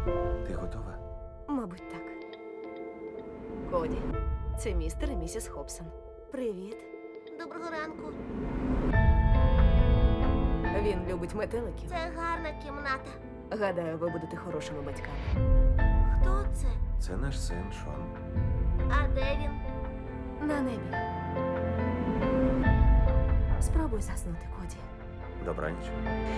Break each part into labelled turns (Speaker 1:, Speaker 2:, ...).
Speaker 1: Ти готова?
Speaker 2: Мабуть, так. Коді, це містер і місіс Хобсон. Привіт.
Speaker 3: Доброго ранку.
Speaker 2: Він любить метеликів.
Speaker 3: Це гарна кімната.
Speaker 2: Гадаю, ви будете хорошими батьками.
Speaker 3: Хто це?
Speaker 1: Це наш син Шон.
Speaker 3: А де він?
Speaker 2: На небі. Спробуй заснути, Коді.
Speaker 1: Добраніч.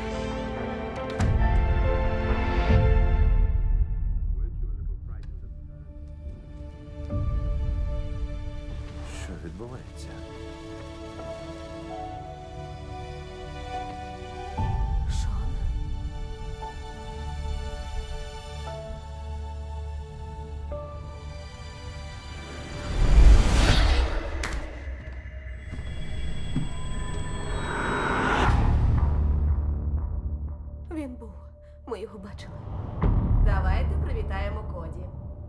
Speaker 1: Що відбувається?
Speaker 2: Шон? Він був. Ми його бачили. Давайте привітаємо Коді.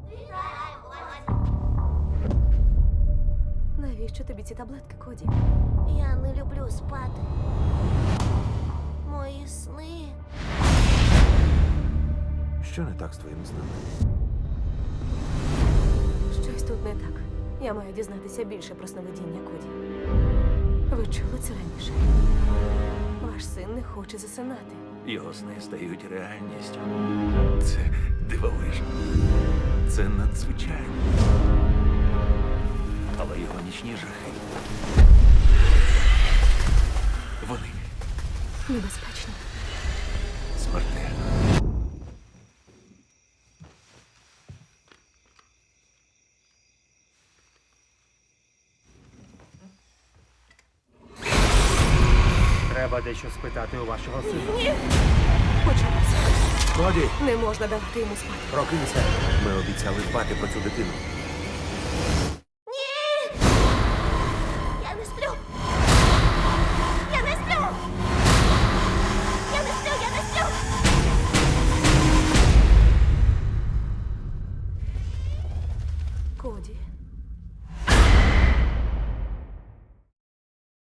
Speaker 2: Навіщо тобі ці таблетки, Коді?
Speaker 3: Я не люблю спати. Мої сни.
Speaker 1: Що не так з твоїм сном?
Speaker 2: Щось тут не так. Я маю дізнатися більше про сновидіння Коді. Ви чули це раніше? Ваш син не хоче засинати.
Speaker 4: Його сни стають реальністю. Це дивовижно. Це надзвичайно. Але його нічні жахи. Вони
Speaker 2: Небезпечно.
Speaker 4: смертельні.
Speaker 5: Треба дещо спитати у вашого сина.
Speaker 2: Почалося.
Speaker 1: Коді!
Speaker 2: Не можна давати йому спати.
Speaker 1: Прокинься! Ми обіцяли дбати про цю дитину.
Speaker 3: Я не сплю. Я не сплю. Я не сплю, я не сплю.
Speaker 2: Коді.